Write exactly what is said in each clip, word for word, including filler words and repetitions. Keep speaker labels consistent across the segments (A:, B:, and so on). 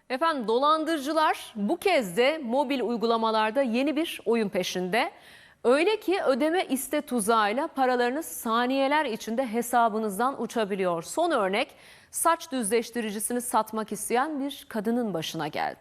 A: Efendim dolandırıcılar bu kez de mobil uygulamalarda yeni bir oyun peşinde. Öyle ki ödeme iste tuzağıyla paralarınız saniyeler içinde hesabınızdan uçabiliyor. Son örnek saç düzleştiricisini satmak isteyen bir kadının başına geldi.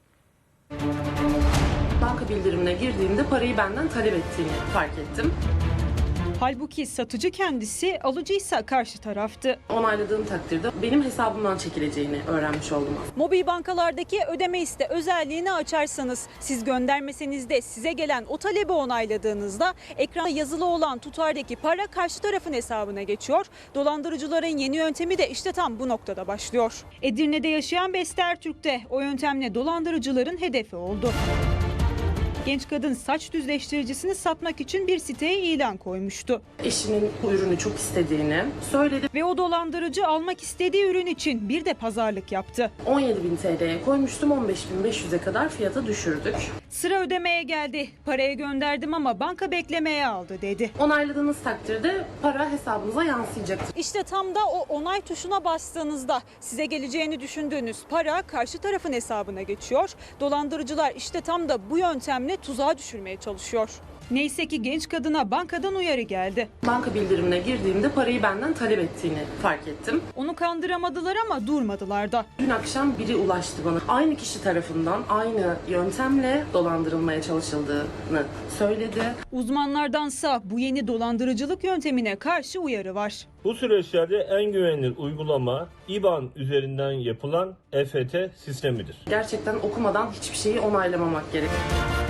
B: Banka bildirimine girdiğimde parayı benden talep ettiğini fark ettim.
C: Halbuki satıcı kendisi, alıcıysa karşı taraftı.
B: Onayladığım takdirde benim hesabımdan çekileceğini öğrenmiş oldum.
C: Mobil bankalardaki ödeme iste özelliğini açarsanız, siz göndermeseniz de size gelen o talebi onayladığınızda ekranda yazılı olan tutardaki para karşı tarafın hesabına geçiyor. Dolandırıcıların yeni yöntemi de işte tam bu noktada başlıyor. Edirne'de yaşayan Beste Ertürk de o yöntemle dolandırıcıların hedefi oldu. Genç kadın saç düzleştiricisini satmak için bir siteye ilan koymuştu.
B: Eşinin bu ürünü çok istediğini söyledi.
C: Ve o dolandırıcı almak istediği ürün için bir de pazarlık yaptı.
B: on yedi bin T L'ye koymuştum, on beş bin beş yüze kadar fiyata düşürdük.
C: Sıra ödemeye geldi. Paraya gönderdim ama banka beklemeye aldı dedi.
B: Onayladığınız takdirde para hesabınıza yansıyacaktır.
C: İşte tam da o onay tuşuna bastığınızda size geleceğini düşündüğünüz para karşı tarafın hesabına geçiyor. Dolandırıcılar işte tam da bu yöntemle tuzağa düşürmeye çalışıyor. Neyse ki genç kadına bankadan uyarı geldi.
B: Banka bildirimine girdiğimde parayı benden talep ettiğini fark ettim.
C: Onu kandıramadılar ama durmadılar da.
B: Dün akşam biri ulaştı bana. Aynı kişi tarafından aynı yöntemle dolandırılmaya çalışıldığını söyledi.
C: Uzmanlardansa bu yeni dolandırıcılık yöntemine karşı uyarı var.
D: Bu süreçlerde en güvenilir uygulama İ B A N üzerinden yapılan E F T sistemidir.
B: Gerçekten okumadan hiçbir şeyi onaylamamak gerekiyor.